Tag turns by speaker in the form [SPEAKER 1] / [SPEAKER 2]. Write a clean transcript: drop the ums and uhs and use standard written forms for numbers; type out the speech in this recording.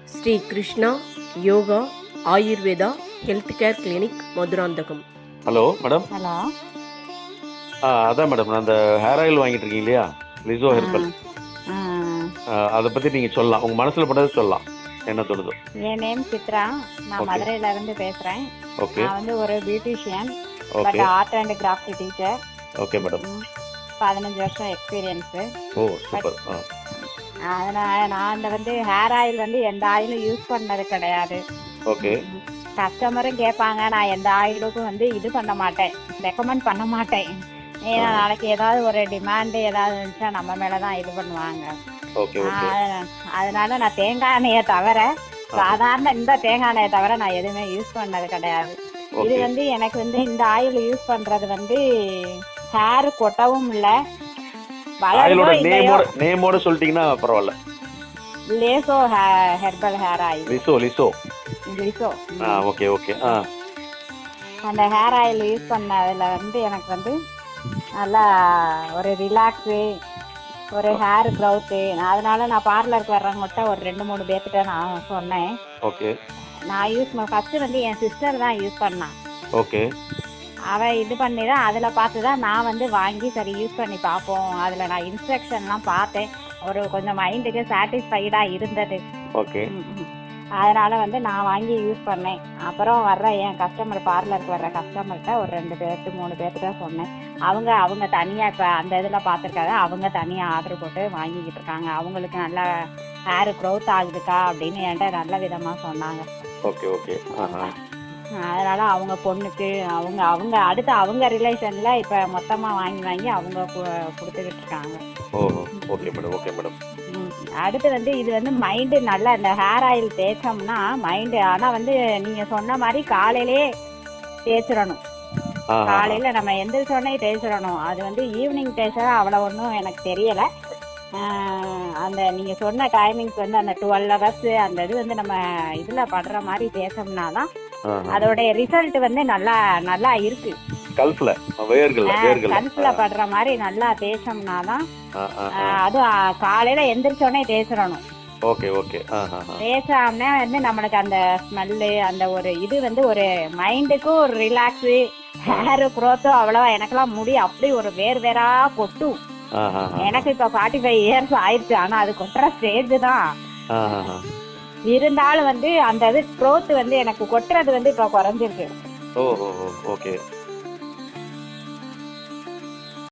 [SPEAKER 1] Sri Krishna yoga Ayurveda health care clinic Madurantakam.
[SPEAKER 2] Hello madam.
[SPEAKER 3] Hello.
[SPEAKER 2] அதான் madam, நான் அந்த ஹேர் ஆயில் வாங்கிட்டு இருக்கீங்க இல்லையா, லிசோ
[SPEAKER 3] ஆ
[SPEAKER 2] ஹெர்பல்.
[SPEAKER 3] ஆ
[SPEAKER 2] அதை பற்றி நீங்கள் சொல்லலாம், உங்கள் மனசில் பட்டதை சொல்லலாம், என்ன தோணுதோ.
[SPEAKER 3] என் நேம் சித்ரா. நான்
[SPEAKER 2] ஓகே.
[SPEAKER 3] மதுரையில இருந்து பேசுகிறேன்.
[SPEAKER 2] ஓகே.
[SPEAKER 3] நான் வந்து ஒரு beautician, but
[SPEAKER 2] okay.
[SPEAKER 3] Art and craft teacher.
[SPEAKER 2] Okay madam.
[SPEAKER 3] 15 வருஷம் எக்ஸ்பீரியன்ஸு.
[SPEAKER 2] O
[SPEAKER 3] but
[SPEAKER 2] super.
[SPEAKER 3] அதனால் நான் அந்த வந்து ஹேர் ஆயில் வந்து எந்த ஆயிலும் யூஸ் பண்ணது கிடையாது.
[SPEAKER 2] ஓகே.
[SPEAKER 3] கஸ்டமரும் கேட்பாங்க, நான் எந்த ஆயிலுக்கும் வந்து இது பண்ண மாட்டேன், ரெக்கமெண்ட் பண்ண மாட்டேன். ஏன்னா நாளைக்கு ஏதாவது ஒரு டிமாண்டு ஏதாவது இருந்துச்சுன்னா நம்ம மேலே தான் இது பண்ணுவாங்க.
[SPEAKER 2] ஓகே. ஓகே.
[SPEAKER 3] அதனால நான் தேங்காய் எண்ணெயை தவிர, சாதாரண இந்த தேங்காய் எண்ணெயை தவிர நான் எதுவுமே யூஸ் பண்ணது கிடையாது. இது
[SPEAKER 2] ஓகே.
[SPEAKER 3] வந்து எனக்கு வந்து இந்த ஆயில் யூஸ் பண்றது வந்து ஹேர் கொட்டவும் இல்லை, வளரவோ
[SPEAKER 2] ஆயிலோட
[SPEAKER 3] இல்லையோ.
[SPEAKER 2] நேமோட சொல்லிட்டீங்கன்னா பரவாயில்ல.
[SPEAKER 3] லேசோ ஹெர்பல் ஹேர் ஆயில்.
[SPEAKER 2] லிசோ லிசோ.
[SPEAKER 3] லிசோ.
[SPEAKER 2] ஓகே. ஓகே.
[SPEAKER 3] அந்த ஹேர் ஆயில் யூஸ் பண்ணதில் வந்து எனக்கு வந்து நல்லா ஒரு ரிலாக்ஸு, ஒரு ஹேர் க்ரௌத்து. அதனால நான் பார்லருக்கு வர்றவங்ககிட்ட ஒரு 2-3 பேர்கிட்ட நான் சொன்னேன்.
[SPEAKER 2] ஓகே.
[SPEAKER 3] நான் ஃபஸ்ட்டு வந்து என் சிஸ்டர் தான் யூஸ் பண்ணான்.
[SPEAKER 2] ஓகே.
[SPEAKER 3] அவள் இது பண்ணி தான் அதில் பார்த்து தான் நான் வந்து வாங்கி சரி யூஸ் பண்ணி பார்ப்போம். அதில் நான் இன்ஸ்ட்ரக்ஷன்லாம் பார்த்தேன், ஒரு கொஞ்சம் மைண்டுக்கு சாட்டிஸ்ஃபைடாக இருந்தது.
[SPEAKER 2] ஓகே.
[SPEAKER 3] அதனால் வந்து நான் வாங்கி யூஸ் பண்ணேன். அப்புறம் வர்ற என் கஸ்டமர், பார்லருக்கு வர்ற கஸ்டமர்கிட்ட ஒரு 2 பேர்த்து 3 பேர்த்துட்ட சொன்னேன். அவங்க தனியாக இப்போ அந்த இதில் பார்த்துருக்காங்க, அவங்க தனியாக ஆர்டர் போட்டு வாங்கிக்கிட்டு இருக்காங்க. அவங்களுக்கு நல்லா ஹேர் க்ரோத் ஆகுதுக்கா அப்படின்னு என்கிட்ட நல்ல விதமாக சொன்னாங்க.
[SPEAKER 2] ஓகே. ஓகே.
[SPEAKER 3] அதனால் அவங்க பொண்ணுக்கு அவங்க அடுத்து அவங்க ரிலேஷனில் இப்போ மொத்தமாக வாங்கி அவங்க கொடுத்துக்கிட்டு இருக்காங்க.
[SPEAKER 2] Oh okay madam. Okay madam.
[SPEAKER 3] அடுத்து வந்து இது வந்து மைண்டு நல்லா, இந்த ஹேர் ஆயில் தேய்ச்சோம்னா மைண்டு, ஆனால் வந்து நீங்கள் சொன்ன மாதிரி காலையிலே தேய்ச்சிடணும். காலையில் நம்ம எந்திரிச்சோடனே தேய்ச்சிடணும். அது வந்து ஈவினிங் தேய்ச்சா அவ்வளோ ஒன்றும் எனக்கு தெரியலை. அந்த நீங்கள் சொன்ன டைமிங்ஸ் வந்து அந்த 12 hours அந்த இது வந்து நம்ம இதில் படுற மாதிரி தேய்ச்சோம்னா தான் அதோடைய ரிசல்ட் வந்து நல்லா நல்லா இருக்கு. கல்ஃபில் படுற மாதிரி நல்லா தேய்ச்சோம்னா தான். அதுவும் காலையில் எந்திரிச்சோடனே தேய்ச்சிடணும்.
[SPEAKER 2] ஓகே. ஓகே.
[SPEAKER 3] தேய்ச்சாம்னா வந்து நம்மளுக்கு அந்த ஸ்மெல்லு, அந்த ஒரு இது வந்து ஒரு மைண்டுக்கும் ஒரு ரிலாக்ஸு, ஹேர் க்ரோத்தும் அவ்வளோவா. எனக்கெல்லாம் முடி அப்படி ஒரு வேறா கொட்டும். எனக்கு இப்போ 45 years ஆயிடுச்சு, ஆனால் அது கொட்டுற ஸ்டேஜ் தான். இருந்தாலும் வந்து அந்த இது க்ரோத் வந்து எனக்கு கொட்டுறது வந்து இப்போ குறைஞ்சிருக்கு.
[SPEAKER 2] Oh okay.